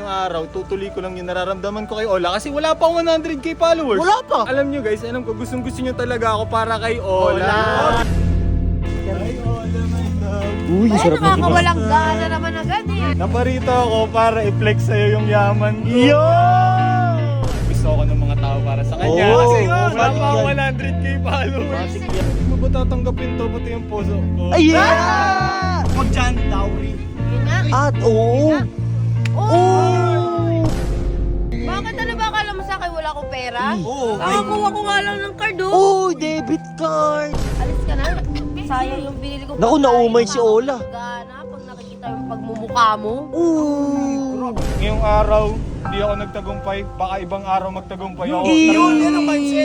ngayong araw, tutuloy ko lang yung nararamdaman ko kay Ola kasi wala pa akong 100k followers. Wala pa. Alam nyo guys, alam ko gustong gusto nyo talaga ako para kay Ola. Ay, Ola, my love. Uy, Ay, nakakawalang gana naman agad eh. Naparito ako para i-flex sa'yo yung yaman ko. Yo! Gusto ako ng mga tao para sa kanya Oo, kasi yun. wala pa akong Matik 100k followers. Matik yan. Hindi mo ba tatanggapin to pati yung puso ko? Ay, yeah! Huwag dyan, dowry. Yun nga. At oo. Oh! Bakit ano ba akala mo sa akin wala akong pera? Oo. Nakakuha ko nga lang ng card oh. Oh, debit card. Alis ka na. Sayang yung binili ko. Naku, naumay si Ola. Gana pag nakikita yung pagmumukha mo. Ooh. Ngayong araw, hindi ako nagtagumpay. Baka ibang araw magtagumpay ako. Yun, yan ang mindset.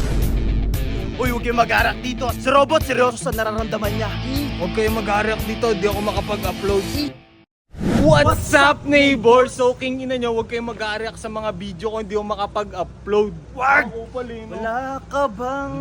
Uy, huwag kayong mag-arak dito. Si Robot, seryoso sa nararamdaman niya. Huwag kayong mag-react dito, di ako makapag-upload. What's up, neighbor? So, king ina nyo, huwag kayong mag-react sa mga video ko, hindi ako makapag-upload. Wag! Ako pala, no? Wala ka bang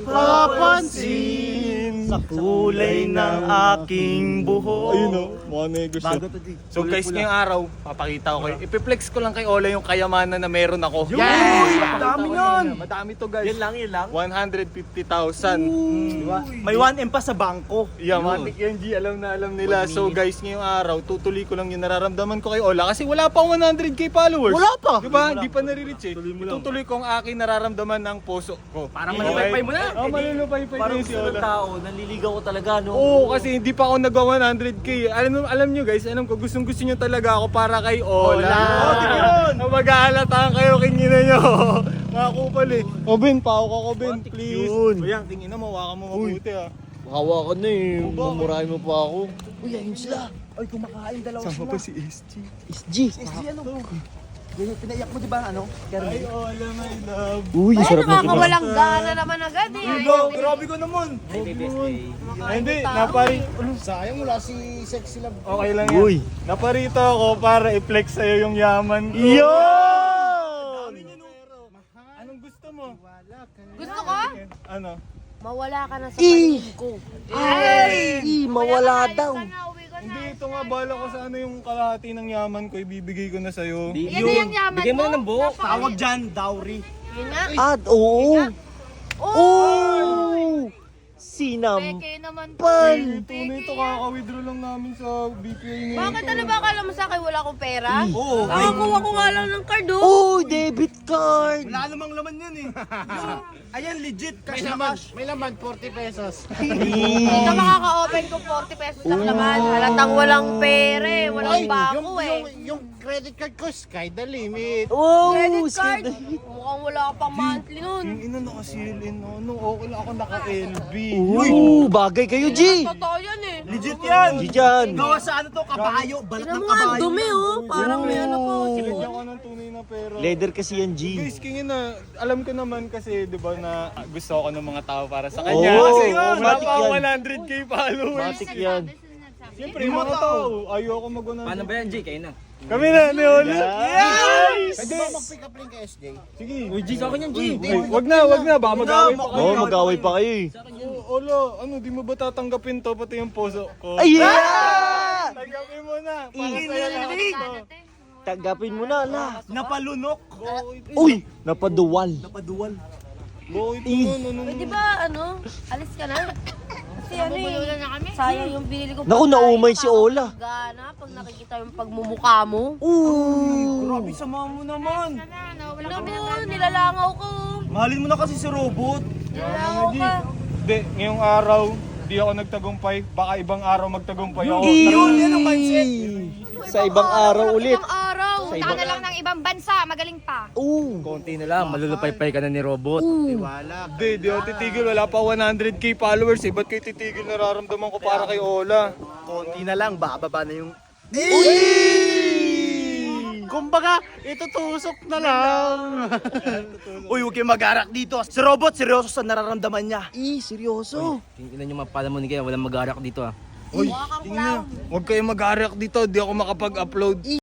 Napapansin sa kulay ng aking buhok? Ayun o, mga negos yun. Bago to, di. So guys, ngayong araw, papakita ko kayo. Ipiplex ko lang kay Ola yung kayamanan na meron ako. Yes! Dami nun! Madami to guys. Yan lang. 150,000. Diba? May 1M pa sa bangko. Yeah, matik yan G, alam na alam nila. So guys, ngayong araw, tutuloy ko lang yung nararamdaman ko kay Ola kasi wala pa akong 100k followers. Wala pa. Diba? Hindi pa nare-reach eh. Tutuloy ko ang aking nararamdaman ng puso ko. Parang malulupay mo na. Oo, malulupay-pay Parang na si gusto ng Ola. tao, nanliligaw ko talaga, no? Oo, kasi hindi pa ako nagawa 100k. Alam nyo guys, alam ko gustong gusto nyo talaga ako para kay Ola. Oo, di ba yun? Mag-aalataan kayo, kingina nyo. Mga kupal eh. O Ben, pao ka ko Ben, please. yun. O yan, tingin na, mawakan mo mabuti ah. Makawa ka na eh. Mamurahin mo pa ako. Uy, ayun sila. Ay, kumakain dalawa Sama sila. pa si SG. SG. SG, ano? Yan yung pinaiyak mo, di ba, ano? Ay, Ola, my love. Uy, Ay, sarap na nakakawalang gana naman agad eh. Hello, grabe ko naman. Ay, hindi, napari. Sayang, wala si Sexy Love. Okay lang yan. Uy. Naparito ako para i-flex sa'yo yung yaman ko. Yun! Anong gusto mo? Gusto ko? Ano? Mawala ka na sa Eh. paligid ko. Ay, mawala daw. Hindi, ito nga, bala ko sa ano yung kalahati ng yaman ko, ibibigay ko na sa'yo. Yan na yung yaman Bigay mo mo. na ng buo. Tawag dyan, dowry. Yun nga. At oo. Oh! Oh! Sinampal. Peke naman. Tunay ito, kaka-withdraw lang namin sa BPI ni... Bakit ano ba akala mo sa akin wala akong pera? Oo. Nakakuha ko nga lang ng card oh. Oh, debit card. Wala namang laman yan eh. Ayan, legit. Cash na cash. May laman, 40 pesos. Dito makaka-open ko 40 pesos lang naman. Halatang walang pera eh. Walang bako eh. Yung credit card ko, sky the limit. Oh, Credit card. skid. Mukhang wala ka pang monthly nun. Yung ina nakasilin, no? Nung okay lang ako naka-LB. Uy, bagay kayo, G. Totoo yan eh. Legit yan. G dyan. Gawa sa ano to, kabayo. Balat Tignan ng mo nga, kabayo. dumi oh. Parang may ano po. Sinadya ko ng tunay na pera. Leather kasi yan, G. Guys, kingin na, alam ko naman kasi, di ba, na gusto ako ng mga tao para sa kanya. Oo, kasi oo, wala matik pa ako yan. 100k followers. Matik yan. Siyempre, yung mga tao, ayoko mag-100. Paano ba yan, Jay? Kayo na. Kami na, ni Ola. Yes! Pwede ba mag-pick up link kay SJ? Sige. Uy, Jay, sa akin yan, Jay. Wag na, baka mag-away pa kayo. Oo, mag-away pa kayo eh. Ola, ano, di mo ba tatanggapin to, pati yung puso ko? Ay, yeah! Tanggapin mo na, para sa'yo lahat to. Tagapin mo na, la. Napalunok. Uy, napaduwal. Napaduwal. Bakit Eh. ano, Pwede ba ano? Alis ka na. Kasi ano eh. Sayang yung binili ko. Naku, naumay si Ola. Gana pag nakikita yung pagmumukha mo. Ooh. Grabe, sama mo naman. Naku, nilalangaw ko. Mahalin mo na kasi si Robot. Nilalangaw ka. Hindi, ngayong araw, di ako nagtagumpay. Baka ibang araw magtagumpay ako. Yun, yan ang mindset. Sa ibang araw ulit. Ibang araw. Sa Punta ka na lang ng ibang bansa, magaling pa. Oo. Konti na lang, malulupay-pay ka na ni Robot. Wala. Hindi, di ako titigil. Wala pa 100k followers eh. Ba't kayo titigil? Nararamdaman ko para kay Ola. Konti na lang, bababa na yung... Kumbaga, itutusok na lang. Uy, huwag kayong mag-arak dito. Si Robot, seryoso sa nararamdaman niya. Seryoso. Tingnan nyo mapala mo ni kaya walang mag-aarak dito ah. Uy, tingnan. Huwag kayong mag-react dito. Di ako makapag-upload.